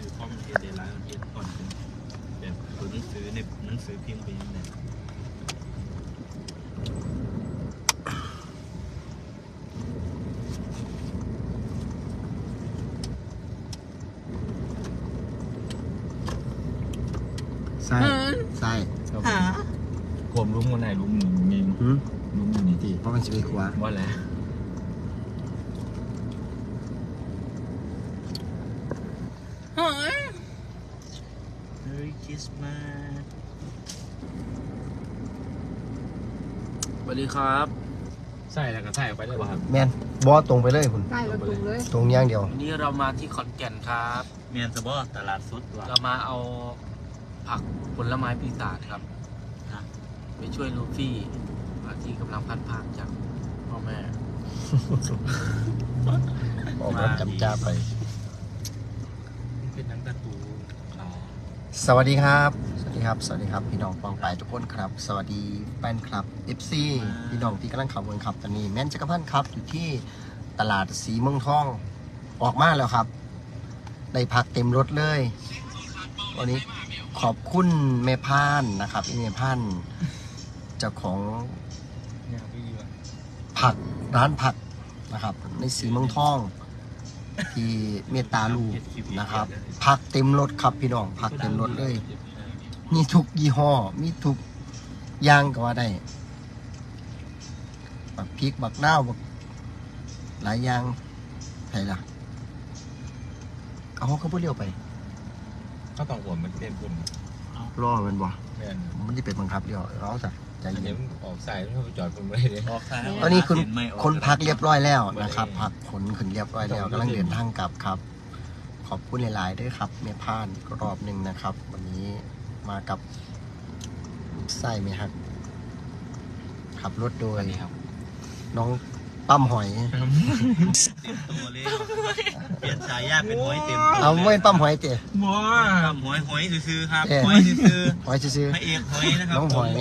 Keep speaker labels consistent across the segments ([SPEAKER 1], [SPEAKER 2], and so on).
[SPEAKER 1] สื่อข้อมูลเทียนเดลไลน์เทียนก่อนเป็นแบบตัวหนังสือในหนังสือพิมพ์ไปยังไง
[SPEAKER 2] ใช่ใช่
[SPEAKER 1] กลมลุ้มคนไหนลุ้มหนึ่งมีลุ้มหนึ่งนี่
[SPEAKER 2] ดีเพราะมันจะไปขวา
[SPEAKER 1] ว่าแล้วคริสต์มาสสวัสดีครับใส่แล้วก็ใส่ไปเลยว่ะครับ
[SPEAKER 2] แมนบอตรงไปเลยคุณ
[SPEAKER 3] ใช่เราตรงเลย
[SPEAKER 2] ตรงย่างเดียว
[SPEAKER 1] วันนี้เรามาที่ขอนแก่นครับเมียนสบอตลาดสดเรามาเอาผักผลไม้ปีศาจครับไปช่วยลูฟี่ที่กำลังพัดผ่านจากพ่อแม่
[SPEAKER 2] ออกมาจำจ้าไป
[SPEAKER 1] เป็นนังตะตู
[SPEAKER 2] สวัสดีครับสวัสดีครับสวัสดีครับพี่น้องปองไปทุกคนครับสวัสดีแฟนคลับ FC พี่น้องที่กำลังขับวนขับตอนนี้แม่นจักรพันธ์ครับอยู่ที่ตลาดสีเมืองทองออกมาแล้วครับได้พักเต็มรถเลยวันนี้ขอบคุณแม่พานนะครับแม่พานเจ้าของผักร้านผักนะครับในสีเมืองทองที่เมตตาลูกนะครับผักเต็มรถครับพี่น้องผักเต็มรถเลยมีทุกยี่ห้อมีทุกอย่างก็ว่าได้บักพริกบักนาวบักหลายอย่างใช่ล่ะเอาเขาพูดเร็วไป
[SPEAKER 1] เขาต้องหัวมันเต็มคุณ
[SPEAKER 2] รอมันบ่มันจะเป็นบังคับเดียวเราสักใจเย็น
[SPEAKER 1] ออกสายแล้วไปจอดคุณไม่ได้ออกสาย
[SPEAKER 2] ตอนนี้คุณคนพักเรียบร้อยแล้วนะครับพักขนขึ้นเรียบร้อยแล้วกำลังเดินทางกลับครับขอบคุณหลายๆด้วยครับเมพานรอบหนึ่งนะครับวันนี้มากับไส้เมฮักขับรถโดยน้องปั้มหอย
[SPEAKER 1] เต็มตัวเลยเปลี่ยนฉายาเป็นหอยเต็มตัว
[SPEAKER 2] เอาไม่ปั้มหอยเจ๊
[SPEAKER 1] ปั้มหอยซื้อครับหอยซื้อ
[SPEAKER 2] พระ
[SPEAKER 1] เอกหอยนะครับ
[SPEAKER 2] น้องหอย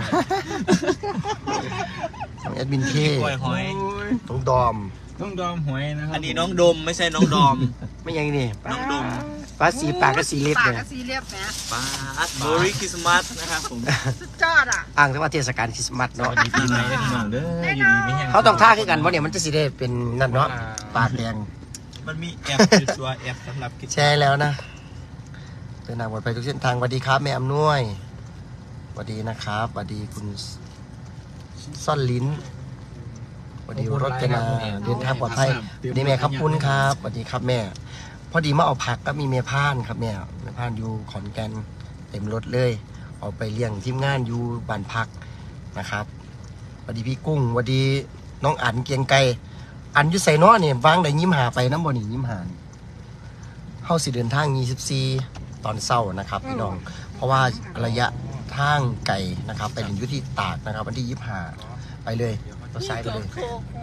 [SPEAKER 2] น้องแอดมินเค
[SPEAKER 1] หอย
[SPEAKER 2] น้องดอม
[SPEAKER 1] หอยนะครับอันนี้น้องดมไม่ใช่น้องดอม
[SPEAKER 2] ไม่ยังนี่
[SPEAKER 1] น้องดม
[SPEAKER 2] ปลาสีปากก็สีเล็บเลย
[SPEAKER 3] ปากก็สีเล็บนะ
[SPEAKER 1] ปลาโบริคริสต์มาสนะครับผม
[SPEAKER 3] สุดยอดอ่ะ
[SPEAKER 2] อ่างแต่ว่าเทศกาลคริสต์มาสเนาะ
[SPEAKER 1] ดีปีใหม่ได้พี่น้องเด้ออยู่ดีไม่แห้ง
[SPEAKER 2] เขาต้องท่าขึ้นกันเพราะเนี่ยมันจะสีได้เป็นนั่นเนาะปากแดง
[SPEAKER 1] มันมีแอปตัวแอปสำหรับ
[SPEAKER 2] แชร์แล้วนะเดินทางปลอดภัยทุกเส้นทางสวัสดีครับแม่อำนวยสวัสดีนะครับสวัสดีคุณซ่อนลิ้นสวัสดีรจนาเดินทางปลอดภัยสวัสดีแม่ครับคุณครับสวัสดีครับแม่พอดีมาเอาผักก็มีแม่พานครับแม่พานอยู่ขอนแก่นเต็มรถเลยเอาไปเลี้ยงทีมงานอยู่บ้านพักนะครับสวัสดีพี่กุ้งสวัสดีน้องอั๋นเกียงไก่อันอยู่ใส่น้อเนี่ยวางได้ยิ้มหาไปน้ำบ่อนี่ยิ้มหาเข้าสิเดินทาง24ตอนเช้านะครับพี่น้องเพราะว่าระยะทางไก่นะครับไปถึงยุที่ตากนะครับวันที่25ไปเลยตัวซ้ายไปเลย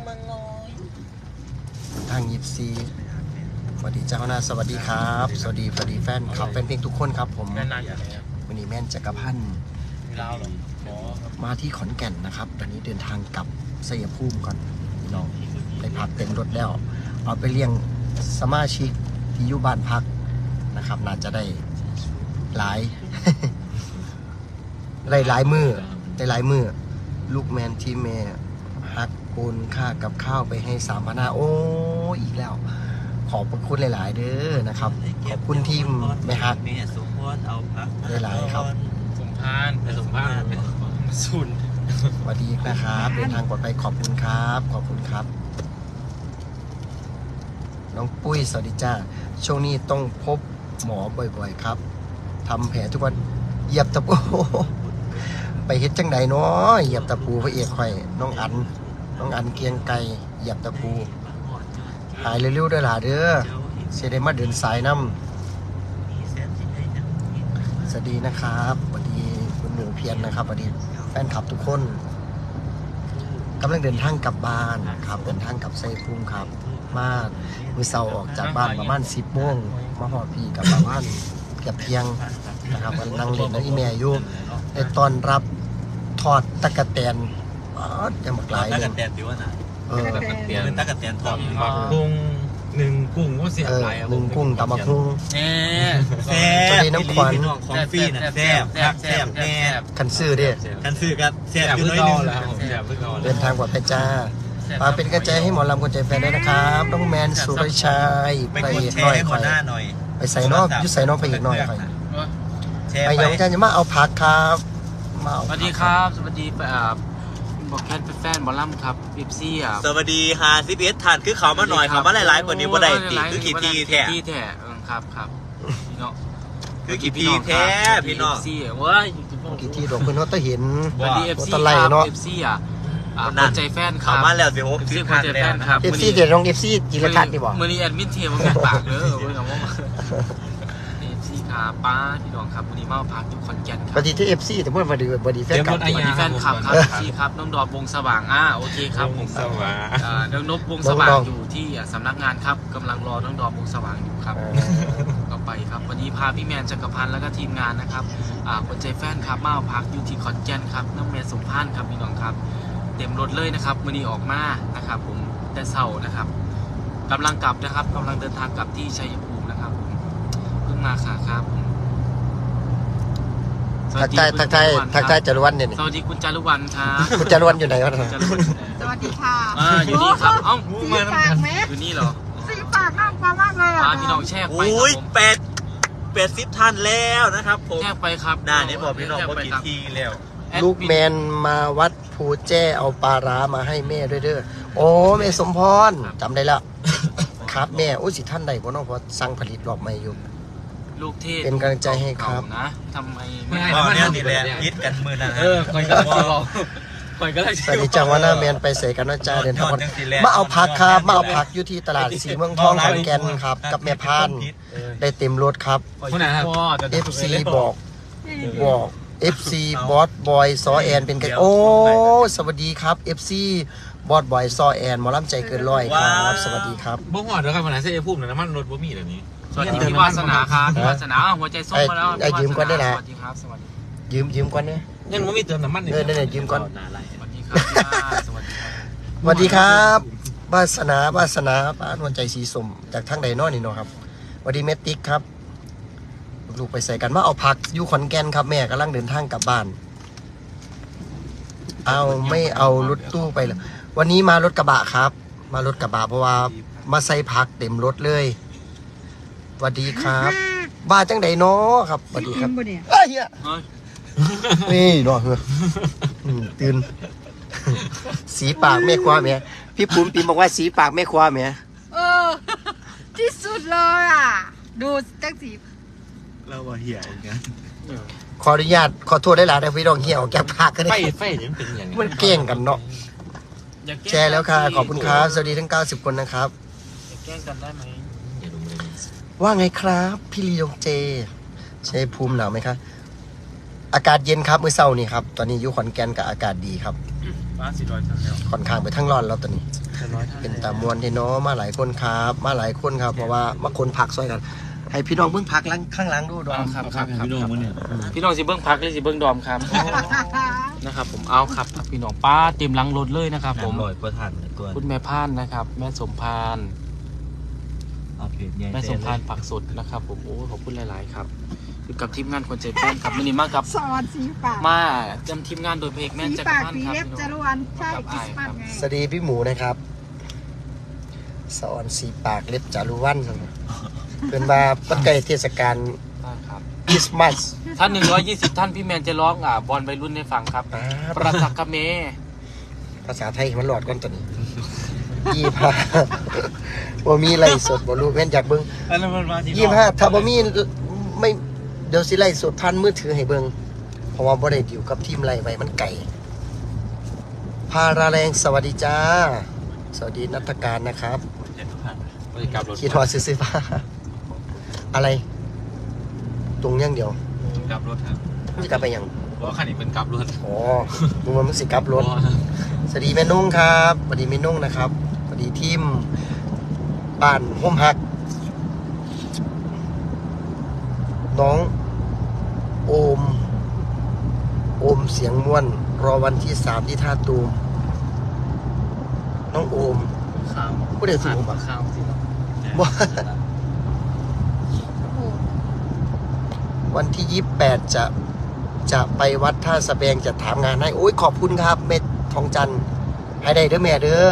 [SPEAKER 2] ทาง24สวัสดีเจ้าหน้าสวัสดีครับสวัสดีแฟนคลับแฟนเพลงทุกคนครับผมวันนี้แม่นจักรพันธ์มาที่ขอนแก่นนะครับตอนนี้เดินทางกลับชัยภูมิก่อนพี่น้องได้พักเต็มรถแล้วเอาไปเลี้ยงสมาชิกที่อยู่บ้านพักนะครับน่าจะได้หลาย หลายมือได้หลายมือลูกแมนที่แม่ฮักโอนค่ากับข้าวไปให้3,500โอ้อีกแล้วขอบพระคุณหลายๆเด้อนะครับขอบคุณทีมแม่ฮักหลายๆครับ
[SPEAKER 1] ส่งพานไปส่งพานไปสุน
[SPEAKER 2] สวัสดีนะครับเดินทางปลอดภัยขอบคุณครับขอบคุณครับน้องปุ้ยสวัสดีจ้าช่วงนี้ต้องพบหมอบ่อยๆครับทำแผลทุกวันเหยียบตะปูไปเฮ็ดจังใดเนาะเหยียบตะปูพระเอกข่อยน้องอันเกียงไก่เหยียบตะปูหายเร็วๆด้วยล่ะเด้อเสียได้มาเดินสายน้ำสวัสดีนะครับสวัสดีคุณหนูเพียรนะครับสวัสดีแฟนคลับทุกคนกำลังเดินทางกลับบ้านครับเดินทางกลับชัยภูมิครับมามื้อเช้าออกจากบ้านประมาณ10 โมงมาหอดพี่กับประมาณเกือบเที่ยงนะครับนั่งเล่นนั่งอีเมลอยู่ในตอนรับทอดตะกะแตนจะหมากหลายเลย
[SPEAKER 1] ตะกะแตนดิวนะ
[SPEAKER 2] ตะกะแตน
[SPEAKER 1] เป็นตะกะแตนทอด
[SPEAKER 2] ต
[SPEAKER 4] หนึ่งกุ้งก็เสียบหลาย
[SPEAKER 2] หนึ่งกุ้งตำบักหุ่ง
[SPEAKER 1] แซ่
[SPEAKER 4] แซ่บ
[SPEAKER 2] สวัสดีน้ำขวัญ
[SPEAKER 4] ของฟรีนะแซ่บครับแซ่บแน่
[SPEAKER 2] คันซื้อเด้
[SPEAKER 4] คันซื้อกันแซ่บอยู่น้อยนึงแล้วแซ่บเพิ่งเอา
[SPEAKER 2] เดินทางปลอดภัยจ้าฝากเป็นกำลังใจให้หมอลำคนใจแฟนด้วยนะครับน้องแมนสุรชัย
[SPEAKER 4] ไปกดแชร์ให้หัวหน้าหน่อย
[SPEAKER 2] ไปใส่นอกยุใส่นอกไปอีกหน่อยไป
[SPEAKER 4] แชร์
[SPEAKER 2] ไป
[SPEAKER 4] ไป
[SPEAKER 2] ยังจะมาเอาผักครับมาเอา
[SPEAKER 1] สวัสดีครับสวัสดีบอกแคทเป็นแฟนบอลลัมครับบิบซี่อ่ะ
[SPEAKER 4] สวัสดีฮาซิเอสทานคือเขามาหน่อยเขามาหลายๆคนนี้ว่าได้ตีคือกี่ทีแท้
[SPEAKER 1] กี่แท้ครับพี่น้อง
[SPEAKER 4] คือกี่ทีแท้พี่น้อง
[SPEAKER 1] ซี่เว้ย
[SPEAKER 2] กี่ที่ดอกเพื่อนเขาต้องเห็น
[SPEAKER 1] สวัสดีเอฟซี
[SPEAKER 2] ตะไล
[SPEAKER 1] ครับ
[SPEAKER 2] เนาะ
[SPEAKER 1] เอฟซีอ่ะคนใจแฟนค
[SPEAKER 4] เขา
[SPEAKER 1] รับ
[SPEAKER 4] มาแล้วสิโอ้
[SPEAKER 1] เอฟ
[SPEAKER 4] คื
[SPEAKER 1] ซี
[SPEAKER 4] อ
[SPEAKER 1] ค
[SPEAKER 4] คั
[SPEAKER 1] น
[SPEAKER 4] น
[SPEAKER 1] ใจ
[SPEAKER 4] แล้
[SPEAKER 1] แฟ
[SPEAKER 4] วน
[SPEAKER 1] ครับ
[SPEAKER 2] เอฟซีเดี๋ยวน้องเอฟซีจิรทัศน์ดีบอก
[SPEAKER 1] มือนี้แอดมินเทียมมันแม่ปากเด้อเว้ยน้องเอฟซีครับป้าพี่น้องครับวันนี้มาพักอยู่ขอนแก่นค
[SPEAKER 2] ป
[SPEAKER 1] รับ
[SPEAKER 2] ฏิที่เอฟซีแต่เมื่อวันดีแฟนกลับ
[SPEAKER 1] สวัสดีแฟนคลับครับซีครับน้องดอบวงสว่างโอเคครับผม
[SPEAKER 4] สว่าง
[SPEAKER 1] น้องนบวงสว่างอยู่ที่สำนักงานครับกำลังรอน้องดอบวงสว่างอยู่ครับก็ไปครับวันนี้พาพี่แมนจักรพันธ์แล้วก็ทีมงานนะครับคนใจแฟนครับมาพักอยู่ที่ขอนแก่นครับน้องแมนสมพานครับพี่น้องครับเต็มรถเลยนะครับวันนี้ออกมานะครับผมแต่เช้านะครับกำลังกลับนะครับกำลังเดินทางกลับที่ชัยภูมินะครับผมเพิ่งมาค่ะครับ
[SPEAKER 2] ทักทายจารวันเนี่ย
[SPEAKER 1] สวัสดีคุณจารุวรรณครับ
[SPEAKER 2] คุณจารวันอยู่ไหนวะ
[SPEAKER 1] จารุวรรณ
[SPEAKER 3] สวัสดีค่ะ
[SPEAKER 1] อยู่นี่ครับเอ้า
[SPEAKER 3] สีปากไหม
[SPEAKER 1] อยู่นี่เหรอ
[SPEAKER 3] สีปากน่ากลัวมากเลยอ่ะ
[SPEAKER 1] พี่น้องแช่ไปค
[SPEAKER 4] โอ้
[SPEAKER 1] รับ
[SPEAKER 4] ย
[SPEAKER 1] ผม
[SPEAKER 4] 80ท่านแล้วนะครับผม
[SPEAKER 1] แช่ไปครับ
[SPEAKER 4] หน้านี้บอกพี่น้องว่ากี่ทีแล้ว
[SPEAKER 2] ลูกแมนมาวัดภูแจ้เอาปลาร้ามาให้แม่ด้วยเด้อโอ้แม่สมพรจำได้แล้วครับแม่โอ้ยสิท่านใดบ่เนาะเพราะสั่งผลิตรอบใหม่อยู่
[SPEAKER 1] ลูกเทพ
[SPEAKER 2] เป็นกำลังใจให้ครับ
[SPEAKER 1] นะทำไมไม่
[SPEAKER 4] อ๋อเนี่ยนี่แหละยิดกันมือนะ
[SPEAKER 1] คอยก็บอกคอยก็เลย
[SPEAKER 2] สวัสดีจังว่าหน้าแมนไปใส่กันนะจ้าเดินทางมาเอาผักครับมาเอาผักอยู่ที่ตลาดสีเมืองทองขอนแก่นครับกับแม่พานได้เต็มรถครับ
[SPEAKER 1] คนไหนครับ
[SPEAKER 2] FC บอก FC บอสบอยซอแอนเป็นกันโอ้สวัสดีครับ FC บอสบอยซอแอนหมอลำใจเกินร้อยครับสวัสดีครับ
[SPEAKER 4] บ่หอดเด้อครับวันนั้นเสียพุ่มน้ำมันรถบ่มีแบบนี้
[SPEAKER 1] สวัสดีพี่วาสนาครับพี่วาสนาหัวใจส้มมาแล้ว
[SPEAKER 2] ไอ้ยืมก่อนได้นะ
[SPEAKER 1] สวัสดีครับสวัสดี
[SPEAKER 2] ยืมก่อนเนี่ย
[SPEAKER 4] ยังบ่มีเติมน้ำมัน
[SPEAKER 2] เนี่ยยืมก่อน
[SPEAKER 1] สวัสดีครับพี่วาสวัสดีครับ
[SPEAKER 2] สวัสดีครับวาสนาป้านวลใจสีสมจากทางใดนอนี่เนาะครับสวัสดีเมติกครับลูกไปใส่กันมาเอาผักอยู่ขอนแก่นครับแม่กำลังเดินทางกลับบ้านเอาไม่เอารถตู้ไปเลยวันนี้มารถกระบะครับ มารถกระบะเพราะว่ามาใส่ผักเต็มรถเลยสวัสดีครับบ้าจังใดเนาะครับสวัสดีครับ
[SPEAKER 3] บ่เนี่ย
[SPEAKER 2] เอ้ยเหี้ย
[SPEAKER 1] เฮ้ย
[SPEAKER 2] นี่เนาะตื่น สีปากแม่ครัวแม่พี่ปุ๋มปีบอกว่าสีปากแม่ครัวแม่
[SPEAKER 3] เออ ที่สุดเลยอ่ะ ดูจังสี
[SPEAKER 4] เราว่าเหี้ยเหมือนกัน
[SPEAKER 2] ขออนุญาตขอโทษได้หลายนะพี่น้องเหี่ยวแก้ผักกัน
[SPEAKER 4] ไฟ
[SPEAKER 2] ได้
[SPEAKER 4] ไฟนี่มันเป็นอย่าง
[SPEAKER 2] มันเก่งกันเนาะ
[SPEAKER 1] อย่าก้ง
[SPEAKER 2] แชร์แล้วค่ะขอบคุณครับสวัสดีทั้ง90คนนะครับ
[SPEAKER 1] อย่าแกล้งกันได้ไหม
[SPEAKER 2] ว่าไงครับพี่ลียงเจชัยภูมิหนาวไหมครับอากาศเย็นครับมื้อเช้านี่ครับตอนนี้อยู่ขอนแก่นกับอากาศดีครับ
[SPEAKER 1] บ้าน400ชั้นแล้ว
[SPEAKER 2] ค่อนข้างไปทั้งร้อนแล้วตอนนี้
[SPEAKER 1] 100ท่าน
[SPEAKER 2] เป็นตามวลที่เนาะมาหลายคนครับมาหลายคนครับเพราะว่ามาคนผักซอยกัน ให้พี่น้องเบิ่งผักข้างหลังดูดอม
[SPEAKER 1] ครับพี่น้องพี่น้องสิเบิ้งพักหรือสิเบิ้งดอมครับนะครับผมเอาครับพี่น้องป้าเต็มหลังรถเลยนะครับผม
[SPEAKER 4] ลอยประทันตัว
[SPEAKER 1] คุณแม่พานนะครับ แม่สมพานแม่สมพานผักสดนะครับผมโอ้ขอบคุณหลายๆครับอยู่กับทีมงานคนใจแป้นครับวันนี้มากับ
[SPEAKER 3] สอนสีปาก
[SPEAKER 1] มาจำทีมงานโดยเพลงแม่
[SPEAKER 3] สี
[SPEAKER 1] จักร
[SPEAKER 3] ปาก
[SPEAKER 1] พันธ์
[SPEAKER 3] สี
[SPEAKER 1] ครับ
[SPEAKER 3] เล็บจรวนใช่คริสต์มาสไง
[SPEAKER 2] สวัสดีพี่หมูนะครับสอนสีปากเล็บจารุวันเป็นมาปัจจัยเทศกาล
[SPEAKER 1] ครับ
[SPEAKER 2] คริสต์มาส
[SPEAKER 1] ท่าน120 ท่านพี่แมนจะร้องบอลวัยรุ่นให้ฟังครับ ประสักกะเม
[SPEAKER 2] ภาษาไทยมันหลอดก้อนตัวนี้25บ่มีไล่สดบ่รู้แม่นอยากเบิ่ง25ถ้าบ่มีไม่เดี๋ยวสิไล่สดพันมือถือให้เบิ่งเพราะว่าบ่ได้ดิวกับทีมไล่ไว้มันไกลพาราแรงสวัสดีจ้าสวัสดีนัฐการนะครับคิดฮอดซื้อๆฟ้าอะไร ตรงอย่างเดียว
[SPEAKER 4] กลับรถครับ
[SPEAKER 2] จะกลับไปยัง
[SPEAKER 4] เพราะคันนี้เป็นกลับรถ
[SPEAKER 2] อ๋อมึงมันสิกลับรถ สวัสดีแม่นุ่งครับสวัสดีแม่นุ่งนะครับสวัสดีทีมบ้านห่มฮัก น้องโอมเสียงม่วน รอวันที่3ที่ท่าตูมน้องโอม
[SPEAKER 1] ข้าว
[SPEAKER 2] ผู้ใดสิโอมอ่ะ
[SPEAKER 1] ข้าวสิ
[SPEAKER 2] บ่วันที่28จะไปวัดท่าสะแบงจะถามงานให้โอ้ยขอบคุณครับเม็ดทองจันทร์ให้ได้เด้อแม่เด้อ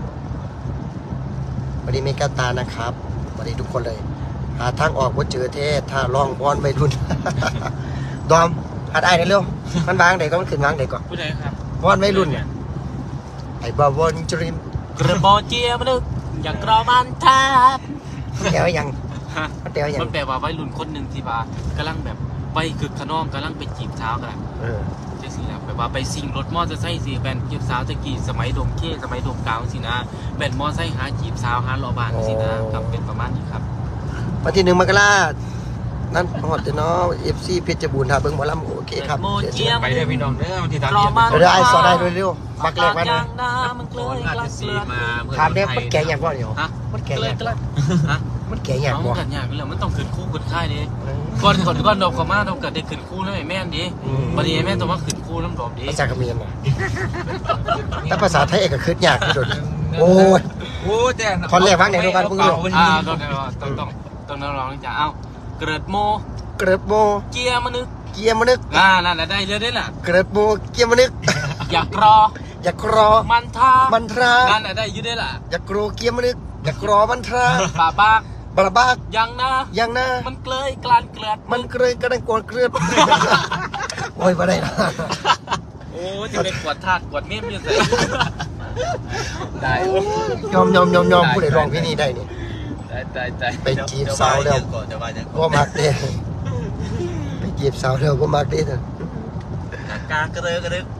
[SPEAKER 2] สวัสดีเมกาตานะครับสวัสดีทุกคนเลยหาทางออกว่าเจอเทศถ้าลองบอลไม่รุน ดอมหัดไอ้เร็วมันวางไหนก็มันขึ้นวางไหนก่อน
[SPEAKER 1] ผู้ใดครับ
[SPEAKER 2] บอลไม่รุนเนี่ยไอ้บอลจริม
[SPEAKER 1] กระบอกเจียมันนึกอย่างกรอมันทับ
[SPEAKER 2] แปลว่ายัง
[SPEAKER 1] ฮะ
[SPEAKER 2] มันแปลว่ายัง
[SPEAKER 1] มันแปลว่าวัยรุ่นคนหนึ่งที่ว่ากำลังแบบไปคึกขนองกำลังไปจีบสาวกัน
[SPEAKER 2] เออ
[SPEAKER 1] จะสินะแบบว่าไปซิ่งรถมอเตอร์ไซค์สิแบนจีบสาวตะกี้สมัยดมเข้สมัยดมกาวสินะแบนมอเตอร์ไซค์หาจีบสาวหารอบานสินะครับเป็นประมาณนี้ครับ
[SPEAKER 2] วันที่1 มกรานั่นหอดเนาะ FC เพชรบูรณ์ท่าเบิ่งหมอลำโอเคครับ
[SPEAKER 1] โมเจียม
[SPEAKER 4] ไปเด้อพี่น้องเด้อวันที่ทาง
[SPEAKER 1] รอมัน
[SPEAKER 2] เดี๋ยวไอ้สอนได้เร็วๆมักแรกมาเลย
[SPEAKER 1] น้ำมันเกลือ
[SPEAKER 4] ราชสีมา
[SPEAKER 2] ถามเนี่ยมันแก่อย่างบ่เนี่ย
[SPEAKER 1] ฮะ
[SPEAKER 2] มันแก่
[SPEAKER 1] เกลื
[SPEAKER 2] อ
[SPEAKER 1] อย่าง เกลือฮะ
[SPEAKER 2] มันแก่อย่าง
[SPEAKER 1] เอา
[SPEAKER 2] บ่
[SPEAKER 1] กันอย่างนี้แหละมันต้องขึ้นคู่ขึ้นค่ายดิก่อนดอกเขามาต้องเกิดได้ขึ้นคู่แล้วไอ้แม่นดิวันนี้ไอ้แม่นต้องมาขึ้นคู่น้ำดอกดิ
[SPEAKER 2] ภาษาเขมรน่ะแต่ภาษาไทยเอกก็คือยากที่สุดโอ้ย
[SPEAKER 4] โอ้แต่
[SPEAKER 2] ท่อนแรกวางไหนดูกันเพิ่งรู้
[SPEAKER 1] ต้องร้องจะเอาเกิดโม
[SPEAKER 2] เกริบโม
[SPEAKER 1] เกียร์มนึก
[SPEAKER 2] เกียร์มนึก
[SPEAKER 1] นั่นได้เรื่อยๆล่ะ
[SPEAKER 2] เกริบโมเกียร์มนึก
[SPEAKER 1] อยากรอ
[SPEAKER 2] อย่ากรอ
[SPEAKER 1] มันทา
[SPEAKER 2] มันทรา
[SPEAKER 1] นั่นได้ยืดได้ล่ะ
[SPEAKER 2] อย่ากรอเกียร์มนึกอย่ากรอมันทรา
[SPEAKER 1] ป่าปาก
[SPEAKER 2] บาบาก
[SPEAKER 1] ยังนะ
[SPEAKER 2] ยังนะ
[SPEAKER 1] มันเกลยกลานเกลือ
[SPEAKER 2] มันเกรยกระดังโกรธเกลือโอ้ยบ่ได้นะ
[SPEAKER 1] โอ้จะเป็นกวดธาตุกวดเมี่ยมอยู่ใส่ได้
[SPEAKER 2] ยอมผู้ใดร้องเพลงนี้ได้นี่
[SPEAKER 1] ได้
[SPEAKER 2] ไปจีบสาวแล้ว
[SPEAKER 4] จะว่าจะ
[SPEAKER 2] บ่มักเด้ไปจีบสาวแล้วบ่มักเด้นะ
[SPEAKER 4] กากระเด้อกระเด้อ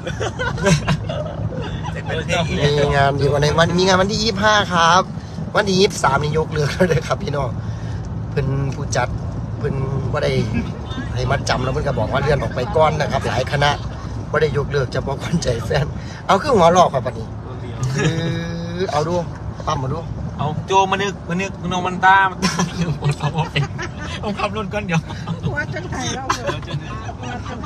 [SPEAKER 4] เป็นเพลง
[SPEAKER 2] มีงานอยู่วันไหนวันมีงานวันที่25ครับ วันที่23นี่ยกเลิกแล้วเด้อครับพี่น้องเพิ่นผู้จัดเพิ่นบ่ได้ให้มัดจำแล้วเพิ่นก็บอกว่าเลื่อนออกไปก่อนนะครับ หลายคณะบ่ได้ยกเลิกเฉพาะคนใจแฟนเอาคือหัวลอกครับบัดนี้คือเอาดูปั๊มมาดู
[SPEAKER 4] เอาโจมานึกน้องมันตาปวดท้องเองผมขับรถก่อนเดี๋ยว
[SPEAKER 3] หัวจนไข่เราเลยหัวจนไข่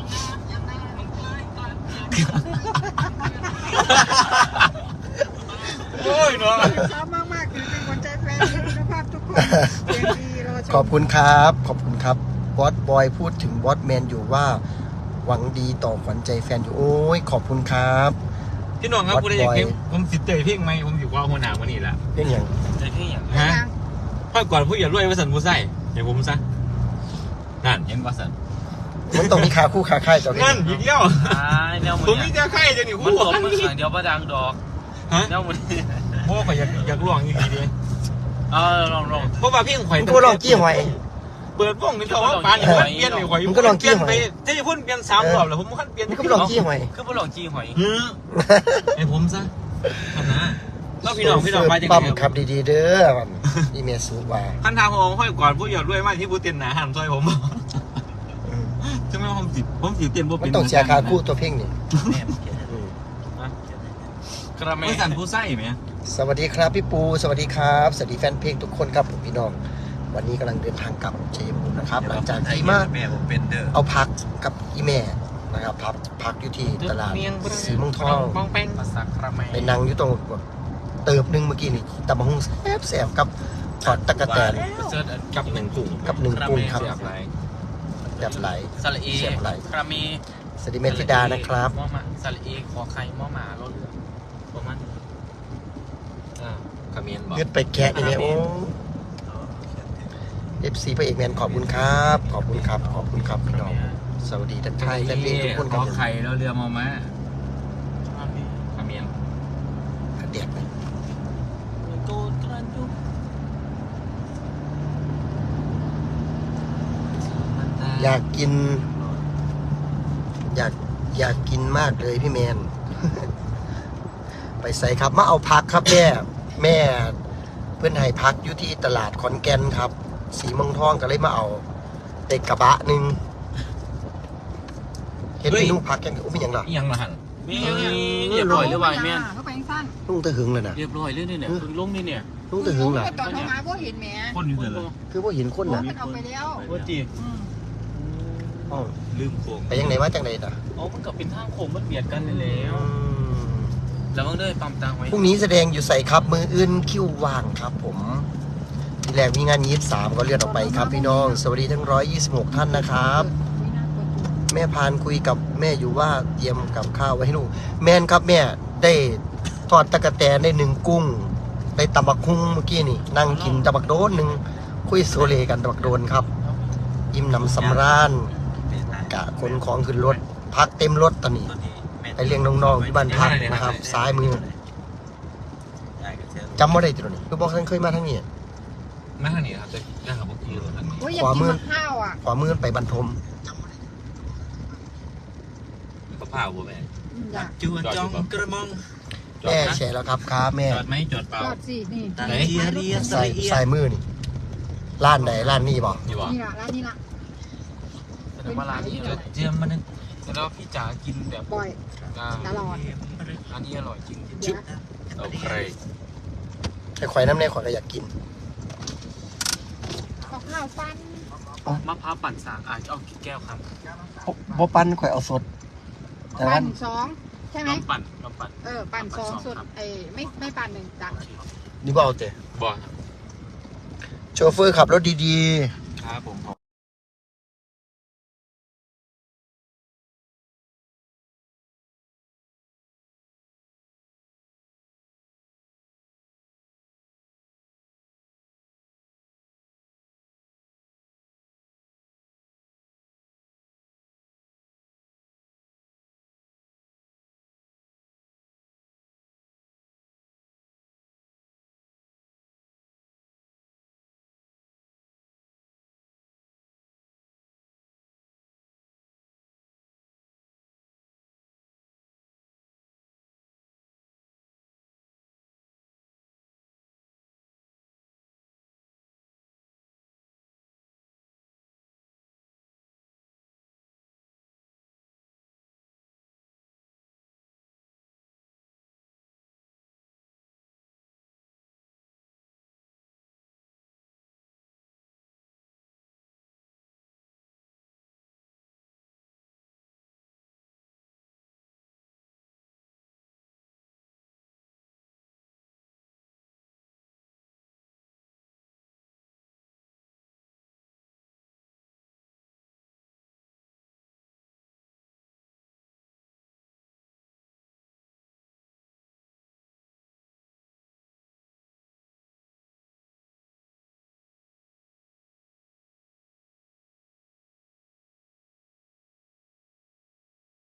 [SPEAKER 4] โอ้ยเนาะ
[SPEAKER 3] ชอบมากๆคือเป็นคนใจแฟนคุณภาพทุกคนเสียงดีรอชม
[SPEAKER 2] ขอบคุณครับขอบคุณครับบอสบอยพูดถึงบอสแมนอยู่ว่าหวังดีต่อขวัญใจแฟนอยู่โอ้ยขอบคุณครับ
[SPEAKER 4] พี่น้องครับกูได้อยากเพลงผมสิเตยเพลงไหมผมอยู่ว่าหัวหน้าวันนี้แหละ
[SPEAKER 2] เป็นอย่าง
[SPEAKER 1] ใจพี่อย่าง
[SPEAKER 4] ฮะพ่อก่อนผู้อย่ารวยว่าสันผู้ใส่อย่างผมซะนั่นเห็นว่าสัน
[SPEAKER 2] มันต้องมีขาคู่ขาค่ายต่อ
[SPEAKER 4] นั่นอีกแล้ว
[SPEAKER 1] แนวมื
[SPEAKER 4] ผมมีแต่ไข่จะหนี
[SPEAKER 1] มัน
[SPEAKER 4] คู่
[SPEAKER 1] ตบมือข้างเดียวประดังดอก
[SPEAKER 4] ฮะ
[SPEAKER 1] แนวมือ
[SPEAKER 4] พ่อข่อยอยากร้องอีกทีดิ
[SPEAKER 1] ลอง
[SPEAKER 4] เพราะว่าเพลงข่อย
[SPEAKER 2] มึงก็ลองกี้หอย
[SPEAKER 4] เปิดวงนี่เขาว่าปานนี่เปลี่ยนนี่ข่อย
[SPEAKER 2] มึงก็ลองกี้หอย
[SPEAKER 4] จะพูดเปลี่ยน3 รอบแล้วผมคันเปลี่ยน
[SPEAKER 2] มึงก็ลองกี้หอย
[SPEAKER 1] คือพวกลองจีหอย
[SPEAKER 4] ให้ผมซะทำนะแล้วพี่น้องไปจัง
[SPEAKER 2] ปั๊ม
[SPEAKER 4] ไง
[SPEAKER 2] ขับดีๆเด้อมันอีเมลสูว่า
[SPEAKER 4] คันทางผมค่อยก่อนผู้อย่ารวยมากที่ผู้เตียนหนาหันซอยผมใช่ไหมผมสิเตียนผู้
[SPEAKER 2] มั
[SPEAKER 4] เป็น
[SPEAKER 2] นต้องเสียขาคู่ตัวเพ่งนี่อืม
[SPEAKER 1] กระเม
[SPEAKER 4] ไม่สั่นผู้ไส้ไหม
[SPEAKER 2] สวัสดีครับพี่ปูสวัสดีครับสวัสดีแฟนเพลงทุกคนครับผมพี่น้องวันนี้กำลังเดินทางกลับชัยภูมินะครับหลังจากที่มา
[SPEAKER 4] แม่ผมเป็นเด้อ
[SPEAKER 2] เอาพักกับอีแม่นะครับพักอยู่ที่ตลาดสีเมืองทอง
[SPEAKER 4] ป้องแป้ง
[SPEAKER 1] ภาษากระเม
[SPEAKER 2] ไปนั่งอยู่ตรงเติบหนึงเมื่อกี้นี่ตำบักหุ่งแซ่บๆกับทอดตะกะแตน
[SPEAKER 1] เซิร์ช
[SPEAKER 4] กับหนึ่งกลุ่ม
[SPEAKER 2] กับหนึ่งกุ้งครับ
[SPEAKER 1] แบบไหน
[SPEAKER 2] แบบไหล
[SPEAKER 1] สระเอกระเม
[SPEAKER 2] สวัสดีเมธิดานะครับ
[SPEAKER 1] มอมาสระเอขอไข่มอหมาเราเรือประมาณ
[SPEAKER 4] ขมิ้นบอก
[SPEAKER 2] เงืดไปแกะนี่แม่โอ้FC พระเอกแมนขอบคุณครับขอบคุณครับขอบคุณครับพี่น้องสวัสดีทักทายแฟนเพลงทุกคนครับ
[SPEAKER 4] ขอไข่แล้วเรือมาไหมขมิ้น
[SPEAKER 2] เด็ดเลย
[SPEAKER 1] โกตรันยุ
[SPEAKER 2] อยากกิน อยากกินมากเลยพี่แมน ไปใส่ครับมาเอาพักครับแม่เพื่อนให้พักอยู่ที่ตลาดขอนแก่นครับ สีเมืองทองก็เลยมาเอาเด็กกระบะหนึ่งเห็นพี่นุ่งพักยังอุ้มยังเหรอ
[SPEAKER 4] ยังมาหัน
[SPEAKER 1] มีเรียบร้อยหรือไงแม่น
[SPEAKER 3] เขาไปสั้น
[SPEAKER 2] นุ่งตะหึงเลยนะ
[SPEAKER 1] เรียบร้อยเลยเนี่ยเพิ่งลงนี่เนี่ย
[SPEAKER 2] นุ่งตะหึงเหรอ
[SPEAKER 3] ตอนเขามาก็เห็นแหม
[SPEAKER 4] คนอยู่เลย
[SPEAKER 2] คือว่าเห็นคน
[SPEAKER 3] โอ้
[SPEAKER 2] นะ
[SPEAKER 3] มันเอาไปแล้ว
[SPEAKER 1] ว่าจี
[SPEAKER 2] อ้าว
[SPEAKER 4] ลืมโค้ง
[SPEAKER 2] ไปยังไหนว่าจังไหนน่ะ
[SPEAKER 1] อ๋อมันก็เป็นทางโค้งมันเบียดกันแล้ว แล้วมันเลยปั๊มตังไว้
[SPEAKER 2] พรุ่งนี้แสดงอยู่ใส่ครับมืออื่นคิวว่างครับผมแรกมีงาน23ก็เลื่อนออกไปครับพี่น้องสวัสดีทั้ง126ท่านนะครับ แม่พานคุยกับแม่อยู่ว่าเตรียมกับข้าวไว้ให้ลูกแม่นครับแม่ได้ทอดตะกะแตนได้1 กุ้งได้ตำบักคุ้งเมื่อกี้นี่นั่งกินตำบักโดน1คุยโซเลกันตำบักโดนครับอิ่มหนำสำราญกะขนของขึ้นรถพักเต็มรถตอนนี้ไปเลี้ยงน้องๆที่บ้านพักนะครับซ้ายมือจำว่าได้ตัวนี้คือบอกท่านเคยมาทั้งนี้
[SPEAKER 4] ไม่ทางนี้ครับจะได้ครับพวกพี่รถทางนี้
[SPEAKER 3] โอ้ยอยากกินมะข้าวอ่ะ
[SPEAKER 2] ขวามือไปบรรทม
[SPEAKER 4] ก็พาบัวแม่
[SPEAKER 3] อยาก
[SPEAKER 5] จูจองกระมอง
[SPEAKER 2] แม่แชร์แล้วครับครับแม่
[SPEAKER 4] จอดไหมจอดเปล่า
[SPEAKER 3] จอดสินี่
[SPEAKER 5] ตันเทียเรียส
[SPEAKER 2] ใส่
[SPEAKER 5] ระเอีย
[SPEAKER 2] ใส่มือนี่ร้านไหนร้านนี้บอก
[SPEAKER 4] อยู่บ่
[SPEAKER 3] นี่ละร้านนี้ละ
[SPEAKER 1] แสดงว่าร้านนี้อร่อย
[SPEAKER 5] เจียมมันนึง
[SPEAKER 1] แสดงว่าพี่จ๋ากินแบบ
[SPEAKER 3] บ่อย
[SPEAKER 1] อ่า
[SPEAKER 3] ตลอด
[SPEAKER 1] ร้านนี้อร่อยจริง
[SPEAKER 3] เดี๋ยว
[SPEAKER 4] โอเค
[SPEAKER 2] ไอ้ข่อยน้ำแน่ข่อยก็อยากกิน
[SPEAKER 3] เอาข้าวปั้น
[SPEAKER 1] มะพร้าวปั่นสากเอากี่แก้วครับ
[SPEAKER 2] บ่ปั้นข่อยเอาสดแต่ว่า
[SPEAKER 3] ปั้น2ใช่ไหม
[SPEAKER 1] ลองปั่น
[SPEAKER 3] ปั่น2สุดไม่ปั่น1จ้ะ
[SPEAKER 2] นี่บ่เอาแต่
[SPEAKER 4] บ่
[SPEAKER 2] โชเฟอร์ขับรถดี
[SPEAKER 4] ครับผม